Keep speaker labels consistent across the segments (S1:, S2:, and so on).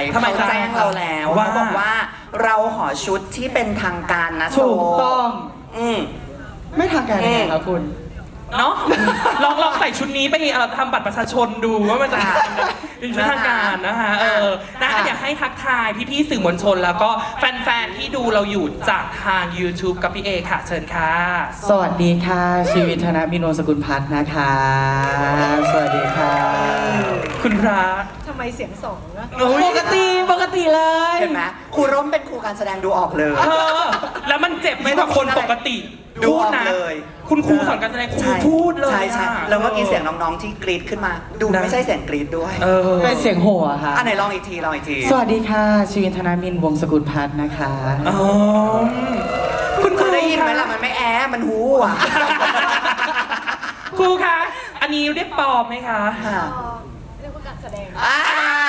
S1: ทำไม
S2: เขาแจ้งเราแล้ว
S1: ว่า
S2: เขาบอกว่าเราขอชุดที่เป็นทางการนะโซ
S3: ถูกต้อง
S2: อืม
S3: ไม่ทางการยังไงครับคุณ
S1: เนาะ ลองใส่ชุดนี้ไปทำบัตรประชาชนดูว่ามันจะเป็นชุดทางการนะคะอยากให้ทักทายพี่ๆสื่อมวลชน แล้วก็แฟนๆที่ดูเราอยู่จากทาง YouTube กับพี่เอค่ะเชิญค่ะ
S3: สวัสดีค่ะ ชีวิตธนพิโนสกุลพัฒน์นะคะ สวัสดีค่ะ
S1: คุณพระ
S4: ทำไมเสียงสองนะ
S3: ปกติเลย
S2: เห็นไหมครูร่มเป็นครูการแสดงดูออกเลย
S1: แล้วมันเจ็บไหมกับคนปกติ
S2: ดู
S1: พู
S2: อ
S1: ด
S2: อก
S1: นะ
S2: เลย
S1: คุณครูสอนการแสดงครู
S2: ใช่
S1: พูดเลย
S2: ใช่ใช่
S1: อะ
S2: แล้วเมื่อกี้เสียงน้องๆที่กรี๊ดขึ้นมา ดู
S1: นะ
S2: ไม่ใช่เสียงกรี๊ดด้วย
S3: เป็นเสียงโห่อะค่ะ
S2: อันไหนลองอีกทีลองอีกที
S3: สวัสดีค่ะ ชีวิตธนมินทร์วงศ์สกุลพัฒน์นะคะ
S1: อ๋อคุณค
S2: เค
S1: รู
S2: ยได้ยินไหม
S1: คะ
S2: ล่ะมันไม่แอะมันหูอ่ะ
S1: ครูคะอันนี้เรียกปลอมไหมคะ
S2: ค่ะ
S4: เรียกว่าการแสดง
S2: อ่า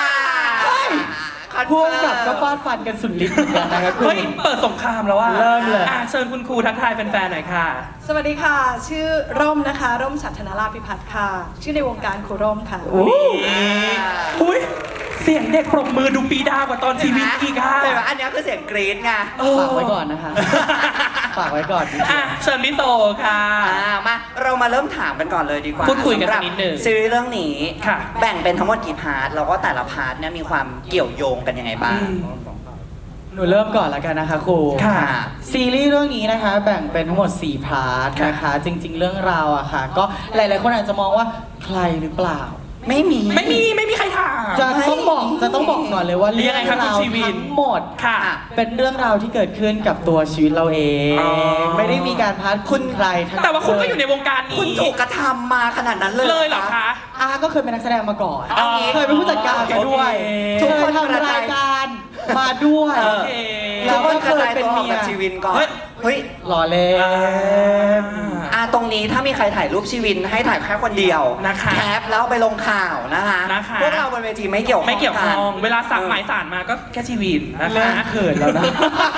S3: พวกกับก็ฟาดฟันกันสุดฤทธิ์เหมือนกันนะครับคุ
S1: เฮ้
S3: ณ
S1: ยเปิดสงครามแล้วว่า
S3: เริ่มเลย
S1: เชิญคุณครูทักทายแฟนๆหน่อยค่ะ
S4: สวัสดีค่ะ ชื่อร่มนะคะ ร่มฉัตรธนราพิพัฒน์ค่ะ ชื่อในวงการครูร่มค่ะ
S1: อุ้ยเสียงเด็กปรบมือดูปีดากว่าตอนชีวิตอีกค่ะ
S2: เห็นไหมอันนี้คือเสียงกรี๊ดไง
S3: ฝากไว้ก่อนนะคะ ฝากไว้ก่อน
S1: เชิญพี่โตค่ะ
S2: มาเรามาเริ่มถามกันก่อนเลยดีกว่า
S1: พูดคุยกัน
S2: สำหรับ
S1: นิดนึง
S2: ซีรีส์เรื่องนี้
S1: ค่ะ
S2: แบ่งเป็นทั้งหมดกี่พาร์ทแล้วก็แต่ละพาร์ทเนี่ยมีความเกี่ยวโยงกันยังไงบ้าง
S3: หนูเริ่มก่อนแล้วกันนะคะครู
S1: ค่ะ
S3: ซีรีส์เรื่องนี้นะคะแบ่งเป็นทั้งหมด4พาร์ทนะคะ จริง ๆ เรื่องราวอะค่ะ ก็หลายๆคนอาจจะมองว่าใครหรือเปล่า
S2: ไม่มี
S1: ไม่มีใครถาม
S3: จะต้องบอกก่อนเลยว่า
S1: เรีย
S3: เรื่
S1: ก
S3: อง
S1: ไงครับ
S3: ราว
S1: คุณชีวิน
S3: ทั้งหมด
S1: ค่ะ
S3: เป็นเรื่องราวที่เกิดขึ้นกับตัวชีวิตเราเอง
S1: อ๋อ
S3: ไม่ได้มีการพาดคุณใครทั้ง
S1: แต่ว่าคุณก็อยู่ในวงการ
S2: คุณ
S1: นี้
S2: ถูกกระทำมาขนาดนั้นเลย
S1: เลยเหรอคะ
S3: อาก็เคยเป็นนักแสดงมาก่อน
S1: อ๋อ
S3: เคยเป็นผู้จัดการมาด้วย
S1: โอเค
S3: เคยทำรายการมาด้วย
S1: โอเค
S2: ทุกคนกระจาย
S3: เป็น
S2: ตัวออก
S3: เมีย
S2: จากชีวินก่อน
S1: เฮ้ย
S2: เฮ้ย
S3: หล่อเล่น
S2: ตรงนี้ถ้ามีใครถ่ายรูปชีวินให้ถ่ายแค่คนเดียว
S1: นะคะ
S2: แคปแล้วเอาไปลงข่าวนะคะ
S1: นะคะ
S2: พวกเราบนเวทีไม่เกี่ยวข้อง
S1: ไม่เกี่ยวข้อง
S2: กัน
S1: เวลาสั่งหมายสารมาก็แค่ชีวินนะ
S3: เริ่
S1: คะ
S3: มเขินแล้วนะ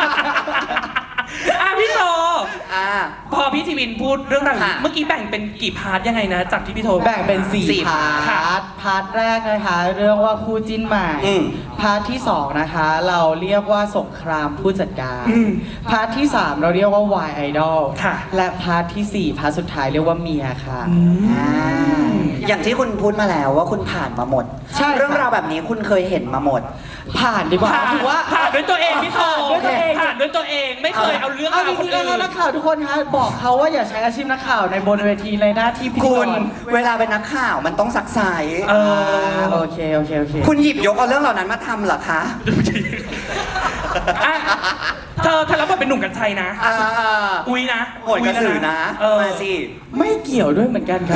S1: พี่โต
S2: อ่า
S1: พอพี่ชีวินพูดเรื่องราวอย่างนี้
S2: ค่ะ
S1: เมื่อกี้แบ่งเป็นกี่พาร์ทยังไงนะ จากที่พี่โท
S3: แบ่งเป็น
S2: สี่
S3: 4 พา
S1: ค่ะ
S3: ร์ท พาร์ทแรกนะคะ เรื่องว่าคู่จิ้นใหม่
S2: อืม
S3: พาร์ทที่ 2 นะคะ เราเรียกว่าสงครามผู้จัดการ
S1: อืม
S3: พาร์ทที่ 3 เราเรียกว่า Y Idol
S1: ค่ะ
S3: และพาร์ทที่ 4 พาร์ทสุดท้ายเรียกว่าเมียค่ะ
S2: อย่างที่คุณพูดมาแล้วว่าคุณผ่านมาหมด
S3: ใช่ค่ะ
S2: เรื่องราวแบบนี้คุณเคยเห็นมาหมด
S3: ผ่านดีกว่า
S1: ผ่าน
S3: ถือว่า
S1: ผ่านด้วยตัวเองพี่โท
S3: ผ่านด้วยตัวเอง
S1: ผ่านด้วยตัวเองไม่เคยเอาเรื่อง
S3: เอา
S1: ราว
S3: จ
S1: คน
S3: ริงๆแล้ว
S1: อื่น
S3: นักข่าวทุกคนคะบอกเขาว่าอย่าใช้อาชีพนักข่าวในบนเวทีในหน้าที่พิธี
S2: คุ
S3: ก
S2: ณ
S3: ร
S2: เวลาเป็นนักข่าวมันต้องซักไซ
S1: เออ
S3: โอเค
S2: คุณหยิบยกเอาเรื่องเหล่านั้นมาทำเหรอคะ
S1: อ่ะเธอรับบทเป็นหนุ่มกัญชัยนะ
S2: อ่า
S1: อุ้ยนะ
S2: โหดกระสือนะ
S1: เออ
S2: มาสิ
S3: ไม่เกี่ยวด้วยเหมือนกันครับ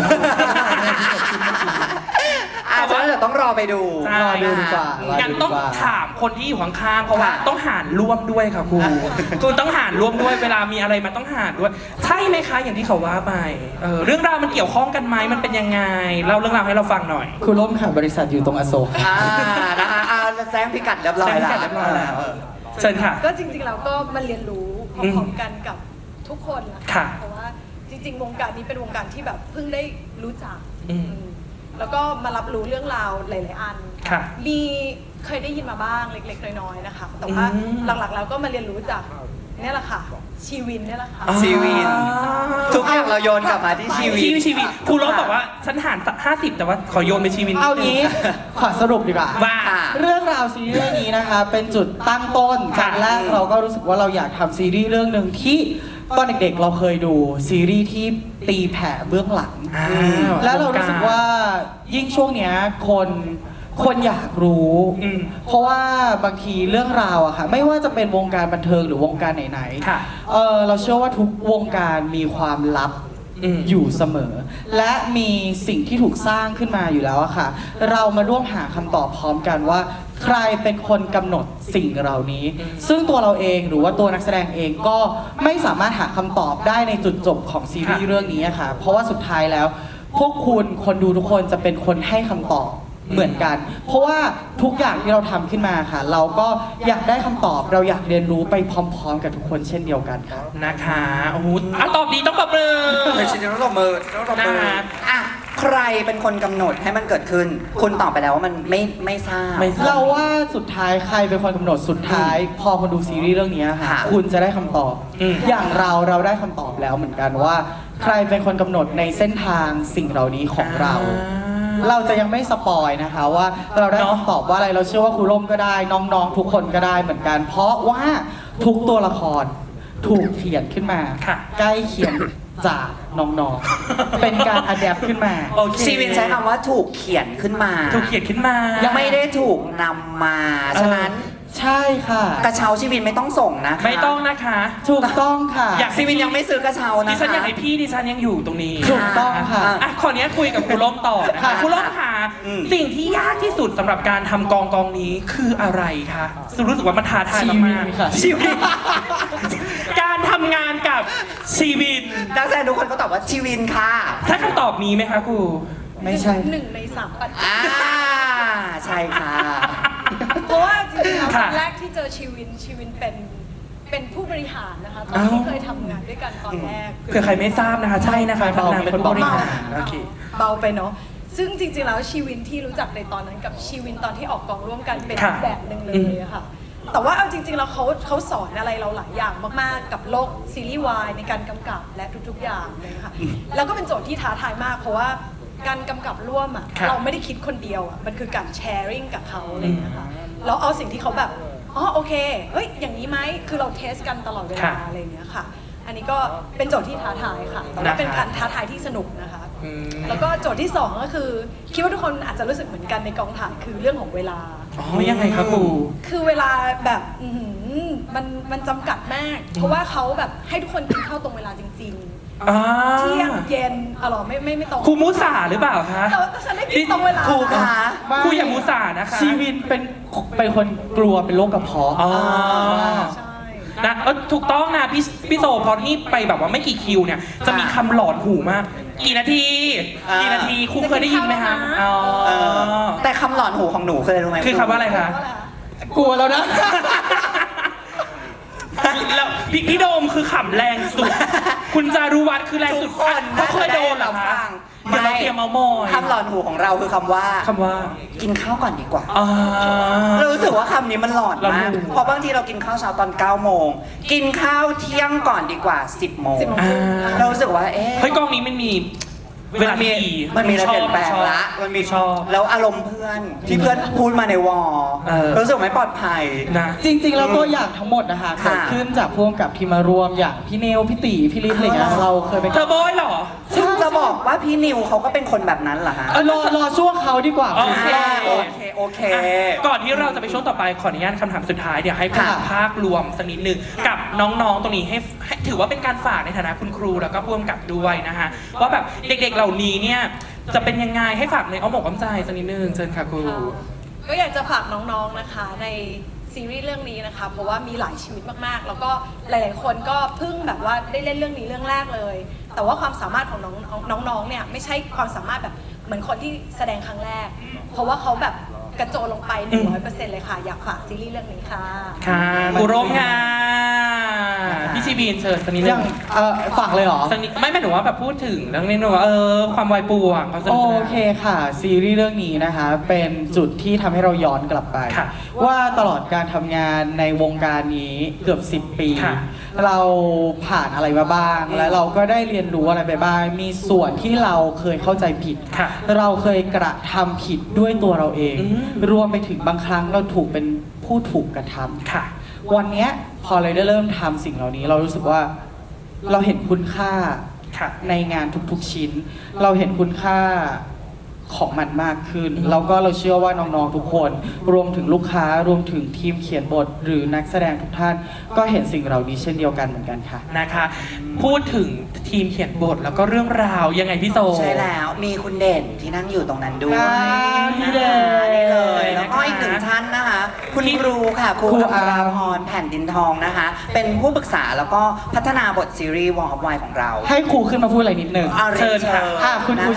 S2: อาจจะเดี๋ยวต้องรอไปดู
S1: ใช่
S3: รอดูดีกว่า
S1: งั้นต้องถามคนที่อยู่ข้างๆเพราะว่า
S2: ค่ะ
S1: ต้องหารร่วมด้วยค่ะครูคุณต้องหารร่วมด้วยเวลามีอะไรมันต้องหารด้วย ใช่ไหมคะอย่างที่เขาว่าไปเรื่องราวมันเกี่ยวข้องกันไหมมันเป็นยังไงเล่าเรื่องราวให้เราฟังหน่อย
S3: คุณร่มค่ะบริษัทอยู่ตรงอโศก
S2: นะคะแจ้งพิกัดเรียบร้อย
S1: แจ้งพิ
S2: แล้ว
S1: กัดเรียบร้อยแล้ว เชิญค่ะ
S4: ก็จริงๆเราก็มาเรียนรู้พร้อมๆกันกับทุกคนนะ
S1: ค่ะ
S4: เพราะว่าจริงๆ วงการนี้เป็นวงการที่แบบเพิ่งได้รู้จัก
S1: อืม
S4: แล้วก็มารับรู้เรื่องราวหลายๆอัน
S1: ค่ะ
S4: มีเคยได้ยินมาบ้างเล็กๆ น้อยๆ นะคะ แต่ว่า
S1: อืม
S4: หลักๆ แล้วก็มาเรียนรู้จากเนี่ยแหละค่ะ ชีวินเนี่ยแหละค่ะ
S2: ชีวิน ทุกอย่างเราโยนกลับมาที่ชีวิต
S1: ชีวิตครูรบบอกว่าฉันหาร50แต่ว่าขอโยนไปชีวิต
S3: เอางี้ขอสรุปดีกว่า
S1: ว่า
S3: เรื่องราวซีรีส์เรื่องนี้นะคะ เป็นจุดตั้งต้น
S1: ค่ะ
S3: ครั้งแรกเราก็รู้สึกว่าเราอยากทำซีรีส์เรื่องหนึ่งที่ตอนเด็กๆเราเคยดูซีรีส์ที่ตีแผ่เบื้องหลัง แล้วเรารู้สึกว่ายิ่งช่วงเนี้ยคนอยากรู้
S1: อืม
S3: เพราะว่าบางทีเรื่องราวอะค่ะ ไม่ว่าจะเป็นวงการบันเทิงหรือวงการไหน
S1: ค่ะ
S3: เราเชื่อว่าทุกวงการมีความลับ
S1: อืม
S3: อยู่เสมอ และมีสิ่งที่ถูกสร้างขึ้นมาอยู่แล้วอะค่ะ เรามาร่วมหาคำตอบพร้อมกันว่า ใครเป็นคนกำหนดสิ่งเหล่านี้ ซึ่งตัวเราเองหรือว่าตัวนักแสดงเองก็ไม่สามารถหาคำตอบได้ในจุดจบของซีรีส์เรื่องนี้อะค่ะ เพราะว่าสุดท้ายแล้ว พวกคุณคนดูทุกคนจะเป็นคนให้คำตอบเหมือนกัน เพราะว่าทุกอย่างที่เราทำขึ้นมาค่ะ เราก็อยากได้คำตอบ เราอยากเรียนรู้ไปพร้อมๆ กับทุกคนเช่นเดียวกันค่ะ
S1: นะคะโอ้โหตอบดีต้องปรบมือ
S2: เลยชินต้องตบมือต้องตบมือ
S1: นะคะ
S2: อ่ะใครเป็นคนกำหนดให้มันเกิดขึ้น คุณตอบไปแล้วว่ามันไม่ทราบ
S1: ไม่ทราบ
S3: เราว่าสุดท้ายใครเป็นคนกำหนดสุดท้าย พอคนดูซีรีส์เรื่องนี้ค่ะ
S2: ค่ะ
S3: คุณจะได้คำตอบ
S1: อืม
S3: อย่างเราได้คำตอบแล้วเหมือนกันว่า ใครเป็นคนกำหนดในเส้นทางสิ่งเหล่านี้ของเรา เราจะยังไม่สปอยนะคะว่าเราได้คำตอบว่าอะไรเราเชื่อว่าครูร่มก็ได้น้องๆทุกคนก็ได้เหมือนกัน เพราะว่าทุกตัวละครถูกเขียนขึ้นมา
S1: ค่ะ
S3: ใกล้เคียงจากน้องๆ เป็นการอัดแอปขึ้นมา
S1: โอเค
S2: ชีวินใช้คำว่าถูกเขียนขึ้นมา
S1: ถูกเขียนขึ้นมา
S2: ยังไม่ได้ถูกนำมา ฉะนั้น
S3: ใช่ค่ะ
S2: กระเช้าชีวินไม่ต้องส่งนะคะ
S1: ไม่ต้องนะคะ
S3: ถูกต้องค่ะ
S1: อยาก
S2: ชีวินยังไม่ซื้อกระเช้านะ
S1: ดิฉันอยาก
S2: คะ
S1: ให้พี่ดิฉันยังอยู่ตรงนี้
S3: ถูกต้องค่ะ
S1: อ่ะขออนุญาตคุยกับครูร่มต่อนะคะ
S3: ค่ะ
S1: ครูร่มค่ะ
S2: อืม
S1: สิ่งที่ยากที่สุดสำหรับการทำกองนี้คืออะไรคะรู้สึกว่ามันท้าทาย
S3: ชีวิ
S1: มาก
S3: ตค่ะ
S1: ๆชีวิต การทำงานกับชีวิน
S2: นักแสดงทุกคนก็ตอบว่าชีวินค่ะ
S1: ถ้าคำตอบมีไหมคะครู
S3: ไม่ใช่
S4: หนึ่งในสามปัจจัย
S2: อ่าใช่ค่ะ
S4: เพราะว่าจริงๆแล้วต
S1: ค่ะ
S4: อนแรกที่เจอชีวินเป็นผู้บริหารนะคะตอนที่เคยทำงานด้วยกันตอนแรก
S1: เผื่อใครไม่ทราบนะคะ ใช่นะคะทำงานเป็นผู้บริหารโอเค
S4: เบาไปเนาะซึ่งจริงๆแล้วชีวินที่รู้จักในตอนนั้นกับชีวินตอนที่ออกกองร่วมกันเป็น
S1: ค่ะ
S4: แบบหนึ่งเลยอะค่ะ แต่ว่าเอาจริงๆแล้วเขาสอนอะไรเราหลายอย่างมากๆ กับโลกซีรีส์วายในการกำกับและทุกๆอย่างเลยค่ะ แล้วก็เป็นโจทย์ที่ท้าทายมากเพราะว่าการกำกับร่วมอะ
S1: ค่ะ
S4: เราไม่ได้คิดคนเดียวอะมันคือการแชร์ริ่งกับเขาอะไรอย่างเงี้ยค่ะแล้วเอาสิ่งที่เขาแบบอ๋อโอเคเอ้ยอย่างนี้ไหมคือเราเทสกันตลอดเวลา
S1: ค่ะ
S4: อะไรอย่างเงี้ยค่ะ อันนี้ก็เป็นโจทย์ที่ท้าทายค่ะแต่ว่าเป็นการท้าทายที่สนุกนะคะ
S1: อืม
S4: แล้วก็โจทย์ที่ 2 ก็คือ คิดว่าทุกคนอาจจะรู้สึกเหมือนกันในกองถ่ายคือเรื่องของเวลา
S1: อ๋อยังไงคะครู
S4: คือเวลาแบบอื้อหือมันจำกัดมาก เพราะว่าเขาแบบให้ทุกคนกินข้าวตรงเวลาจริง
S1: อ่า
S4: ๆ เที่ยงเย็นอ๋อเหรอไม่ตรง
S1: ครูมุสาหรือเปล่าคะ
S4: แต่ว่าฉันได้กินตรงเวลา
S2: ครูคะ
S1: ครูอย่ามุสานะคะ
S3: ชีวินเป็นคนกลัวเป็นโรคกระเพาะ
S1: อ๋อ
S4: ใช่
S1: นะถูกต้องนะพี่โซพอที่ไปแบบว่าไม่กี่คิวเนี่ย จะมีคำหลอนหูมาก กี่นาที
S2: อ่า
S1: กี่นาทีครูเคยได้ยินไหมคะอ๋อ
S2: เออแต่คำหลอนหูของหนูเคยรู้ไหม
S1: คือคำว่าอะไรคะ
S3: กลัวแล้วนะ
S1: แล้วพี่โดมคือขำแรงสุด คุณจารุวัฒน์คือแรงสุ
S2: ทุ
S1: ด
S2: กคน
S1: เขาเคยโดนเหรอคะ เดี๋ยวเราเตรียมเมามอย
S2: คำหลอนหูของเราคือคำว่า
S1: คำว่า
S2: กินข้าวก่อนดีกว่า
S1: อ่า
S2: เรารู้สึกว่าคำนี้มันหลอน
S1: หลอน
S2: มาก
S1: หู
S2: เพราะบางทีเรากินข้าวเช้าตอน 9 โมง กินข้าวเที่ยงก่อนดีกว่า 10 โมง
S4: 10 โมง
S1: อ่า
S2: เรารู้สึกว่า เอ๊ะ
S1: เฮ้ยกองนี้มันมีเวลาที่ดี
S2: มันมีอะไรเปลี่ยนแปลง
S1: ชอบ
S2: ละ มันมี
S1: ชอบ
S2: แล้วอารมณ์เพื่อนที่เพื่อนพูดมาในวอล
S1: เออ
S2: รู้สึกไม่ปลอดภัย
S1: นะ
S3: จริงๆแล้วตัวอย่างทั้งหมดนะคะ
S2: ค่ะ
S3: เกิดขึ้นจากพวกกับที่มารวมอย่างพี่เนวพี่ตีพี่ลิศอะไรเงี้ยเราเคยเป็น
S1: เธอโบอยเหรอ
S2: ซึ่งจะบอกว่าพี่นิวเขาก็เป็นคนแบบนั้นเหรอฮะ
S3: รอช่วงเขาดีกว่า
S1: โอเค
S2: โอเค โอเค
S1: ก่อนที่เราจะไปช่วงต่อไปขออนุญาตคำถามสุดท้ายเดี๋ยวให้พูด
S2: ค่ะ
S1: ภาพรวมสักนิดหนึ่งกับน้องๆตรงนี้ให้ถือว่าเป็นการฝากในฐานะคุณครูแล้วก็พ่วงกับด้วยนะคะว่าแบบเด็กๆเหล่านี้เนี่ยจะเป็นยังไงให้ฝากในอ้อมอกอ้อมใจสักนิดนึงเชิญค่ะครู
S4: ก็อยากจะฝากน้องๆนะคะในซีรีส์เรื่องนี้นะคะ เพราะว่ามีหลายชีวิตมากๆ แล้วก็หลายๆคนก็เพิ่งแบบว่าได้เล่นเรื่องนี้เรื่องแรกเลย แต่ว่าความสามารถของน้องๆเนี่ยไม่ใช่ความสามารถแบบเหมือนคนที่แสดงครั้งแรก เพราะว่าเขาแบบกระโจนลงไป 100%เลยค่ะ อยากฝากซีรีส์เรื่องนี้ค่ะ
S1: ค่ะครูร่มค่ะพี่ชีบีนเชิญสักนิดนึ
S3: ยัง ฝากเลยเหรอ
S1: สักนิดไม่หนูว่าแบบพูดถึงเรื่องนี้หนูว่าความวายป่วงความสนุ
S3: โอก
S1: สนาน
S3: เคค่ะ ซีรีส์เรื่องนี้นะคะ เป็นจุดที่ทำให้เราย้อนกลับไป
S1: ค่ะ
S3: ว่าตลอดการทำงานในวงการนี้เกือบ 10 ปี
S1: ค่ะ
S3: เราผ่านอะไรมาบ้าง และเราก็ได้เรียนรู้อะไรไปบ้าง มีส่วนที่เราเคยเข้าใจผิด
S1: ค่ะ
S3: เราเคยกระทำผิดด้วยตัวเราเอง
S1: อืม
S3: รวมไปถึงบางครั้งเราถูกเป็นผู้ถูกกระทำ
S1: ค่ะ
S3: วันเนี้ยพอเราได้เริ่มทำสิ่งเหล่านี้ เรารู้สึกว่าเราเห็นคุณค่า
S1: ค่ะ
S3: ในงานทุกๆชิ้น เราเห็นคุณค่าของมันมากขึ้น แล้วก็เราเชื่อว่าน้องๆทุกคน รวมถึงลูกค้ารวมถึงทีมเขียนบท หรือนักแสดงทุกท่าน ก็เห็นสิ่งเหล่านี้เช่นเดียวกันเหมือนกันค่ะ
S1: นะคะ พูดถึงทีมเขียนบทแล้วก็เรื่องราวยังไงพี่โซ
S2: ใช่แล้ว มีคุณเด่นที่นั่งอยู่ตรงนั้นด้วย
S3: พี่เด่น
S2: นี่เลย แล้วก็อีกหนึ่งท่านนะคะ คุณครูค่ะ ครู
S3: ครู
S2: อั
S3: อา
S2: ราพรแผ่นดินทองนะคะ เป็นผู้ปรึกษาแล้วก็พัฒนาบทซีรีส์วอลออฟไวของเรา
S3: ให้ครูขึ้นมาพูดอะไรนิดหนึ่ง
S2: อารียน
S1: เชิญค่ะ
S3: ค่ะคุณครู